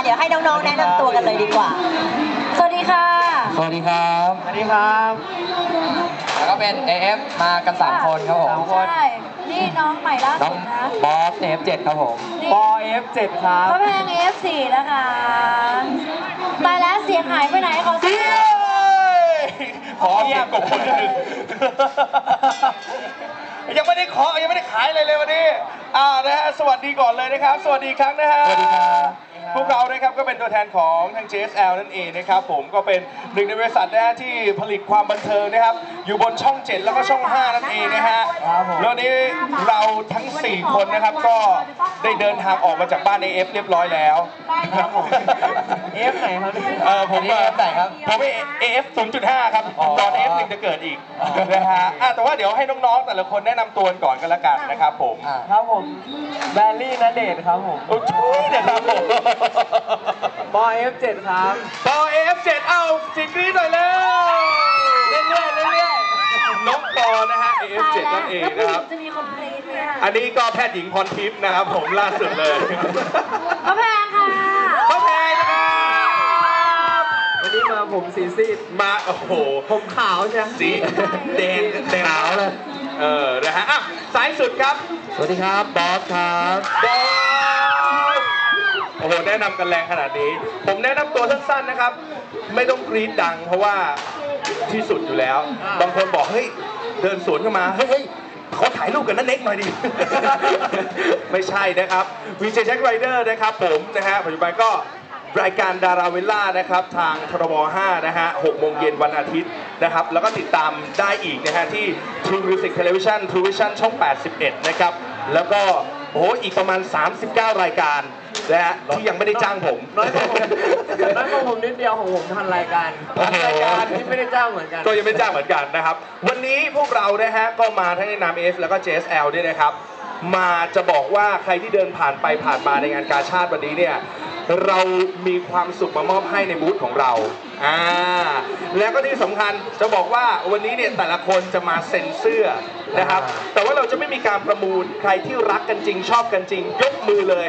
ดี๋ยวให้น้องๆแนะนำตัวกันเลยดีกว่าสวัสดีค่ะสวัสดีครับสวัสดีครับแล้วก็เป็น AF มากัน3คนครับผมใช่นี่น้องใหม่ล่าสุดนะบอส F7 ครับผมปอ F7 ครับพระแพง F4 นะคะตายแล้วเสียงหายไปไหนขอเสียงขอเสียงกบคนอื่นยังไม่ได้ขอยังไม่ได้ขายเลยวันนี้นะฮะสวัสดีก่อนเลยนะครับสวัสดีครั้งนะฮะสวัสดีครับพวกเรานะครับก็เป็นตัวแทนของทาง JSL นั่นเองนะครับผมก็เป็นหนึ่งในบริษัทนะฮะที่ผลิตความบันเทิงนะครับอยู่บนช่อง 7 แล้วก็ช่อง 5 นั่นเองนะฮะแล้วนี้เราทั้ง4คนนะครับก็ได้เดินทางออกมาจากบ้าน AF เรียบร้อยแล้วครับผม AF ไหนครับผม AF ไหนครับผม AF 0.5 ครับตอน AF 1จะเกิดอีกนะฮะแต่ว่าเดี๋ยวให้น้องๆแต่ละคนแนะนำตัวก่อนกันละกันนะครับผมครับผมแบลลี่ณเดชน์ครับผมโอ้ยนะครับผมปอ F7 ครับปอ F7 เอาสิกรีดหน่อยแล้วเรื่อยๆน้องปอนะฮะ F7 นั่นเองนะครับจะมีคนกรี๊ดเนี่ยอันนี้ก็แพทย์หญิงพรทิพย์นะครับผมล่าสุดเลยพระแพงค่ะพระแพงนะครับวันนี้มาผมสีซีดมาโอ้โหผมขาวใช่สีแดงขาวเลยนะฮะสายสุดครับสวัสดีครับบอสครับบอสโอ้โหแนะนำกันแรงขนาดนี้ผมแนะนำตัวสั้นๆนะครับไม่ต้องกรี๊ดดังเพราะว่าที่สุดอยู่แล้วบางคนบอกเฮ้ยเดินสวนเข้ามาเฮ้ยขอถ่ายรูปกับนันเน็กหน่อยดิไม่ใช่นะครับวีเจแจ็คไรเดอร์นะครับผมนะฮะปัจจุบันก็รายการดาราเวลล่านะครับทางทรบ5นะฮะ6 โมงเย็นวันอาทิตย์นะครับแล้วก็ติดตามได้อีกนะฮะที่ True Music Television True Vision ช่อง 81 นะครับแล้วก็โอ้อีกประมาณ39 รายการนะฮะที่ยังไม่ได้จ้างผมน้อยกว่าผมนิดเดียวของผมทันรายการที่ไม่ได้จ้างเหมือนกันก็ยังไม่จ้างเหมือนกันนะครับวันนี้พวกเรานะฮะก็มาทั้งในนาม AF แล้วก็ JSL ด้วยนะครับมาจะบอกว่าใครที่เดินผ่านไปผ่านมาในงานกาชาดวันนี้เนี่ยเรามีความสุขมามอบให้ในบูธของเราแล้วก็ที่สำคัญจะบอกว่าวันนี้เนี่ยแต่ละคนจะมาเซ็นเสื้อนะครับแต่ว่าเราจะไม่มีการประมูลใครที่รักกันจริงชอบกันจริงยกมือเลย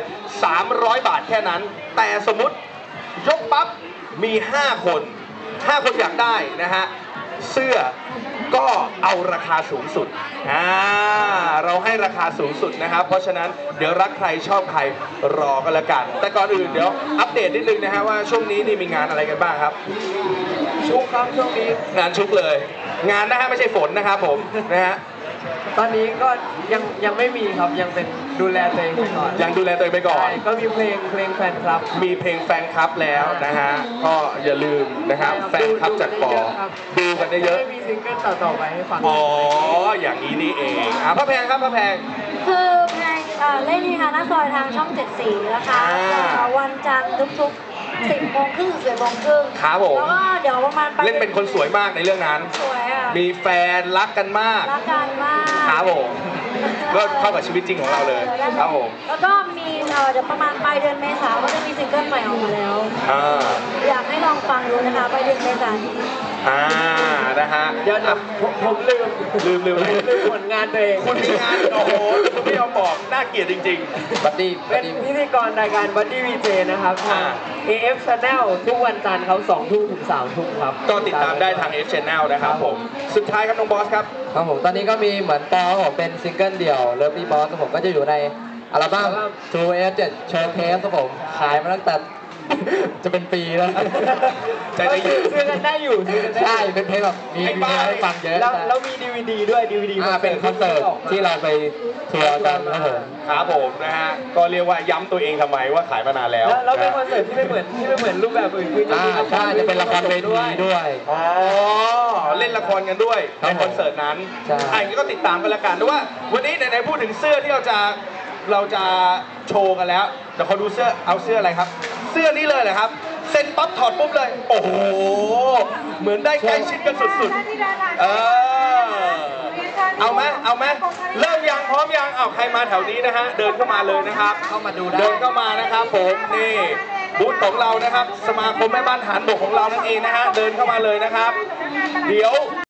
300 บาทแค่นั้นแต่สมมุติยกปั๊บมี5 คนอยากได้นะฮะเสื้อก็เอาราคาสูงสุดเราให้ราคาสูงสุดนะครับเพราะฉะนั้นเดี๋ยวรักใครชอบใครรอกันละกันแต่ก่อนอื่นเดี๋ยวอัปเดตนิดนึงนะฮะว่าช่วงนี้นี่มีงานอะไรกันบ้างครับชุกครับช่วงนี้งานชุกเลยงานนะฮะไม่ใช่ฝนนะครับผมนะฮะตอนนี้ก็ยังไม่มีครับยังเป็นดูแลตัวเองไปก่อนยังดูแลตัวเองไปก่อนก็มีเพลงแฟนคลับมีเพลงแฟนคลับแล้วนะฮะก็อย่าลืมนะครับแฟนคลับจากปอดูกันได้เยอะมีซิงเกิลต่อไปให้ฟังอ๋ออย่างนี้นี่เองพระแพงครับพระแพงคือแพงเล่นที่ฮานาซอยทางช่อง7 สีนะคะวันจันทร์ทุก10 โมงครึ่ง11 โมงครึ่งครับผมแล้วก็เดี๋ยวประมาณเล่นเป็นคนสวยมากในเรื่องนั้นสวยอ่ะมีแฟนรักกันมากครับผมก็เข้ากับชีวิตจริงของเราเลยครับผมแล้วก็มีเดี๋ยวประมาณปลายเดือนเมษาก็จะมีซิงเกิลใหม่ออกมาแล้วอยากให้ลองฟังดูนะคะปลายเดือนเมษานี้นะฮะเดี๋ยวผมลืมผลงานตัวเองคุณมีงานโอ้โหคุณไม่ยอมบอกน่าเกลียดจริงๆบัดดี้เป็นพิธีกรรายการบัดดี้วีเจนะครับทาง AF Channel ทุกวันจันทร์เขา2 ทุ่มถึง3 ทุ่มครับก็ติดตามได้ทาง AF Channel นะครับผมสุดท้ายครับน้องบอสครับครับผมตอนนี้ก็มีเหมือนปอผมเป็นซิงเกิลเดี่ยวเลิฟพี่บอสผมก็จะอยู่ในอัลบั้ม True F7 Showcase ครับผมขายมาตั้งแต่จะเป็นปีแล้วใจได้อยู่ซื้อกันได้อยู่ใช่เป็นเพลงแบบมีเพลงให้ฟังเยอะแล้วมี DVD ด้วย DVD เป็นคอนเสิร์ตที่เราไปทัวร์กันครับผมนะฮะก็เรียกว่าย้ำตัวเองทำไมว่าขายมานานแล้วแล้วเป็นคอนเสิร์ตที่ไม่เหมือนรูปแบบอื่นคือใช่จะเป็นละครเวทีด้วยเล่นละครกันด้วยในคอนเสิร์ตนั้นอันนี้ก็ติดตามกันละกันด้วยว่าวันนี้ไหนๆพูดถึงเสื้อที่เราจะโชว์กันแล้วเดี๋ยวเขาดูเสื้อเอาเสื้ออะไรครับเสื้อนี้เลยเหรอครับเซ็นปั๊บถอดปุ๊บเลยโอ้โหเหมือนได้ใกล้ชิดกันสุดๆเอาไหมเริ่มยังพร้อมยังเอาใครมาแถวนี้นะฮะเดินเข้ามาเลยนะครับเข้ามาดูได้เดินเข้ามานะครับผมนี่บูธของเรานะครับสมาคมแม่บ้านทหารบกของเรานั่นเองนะฮะเดินเข้ามาเลยนะครับเดี๋ยว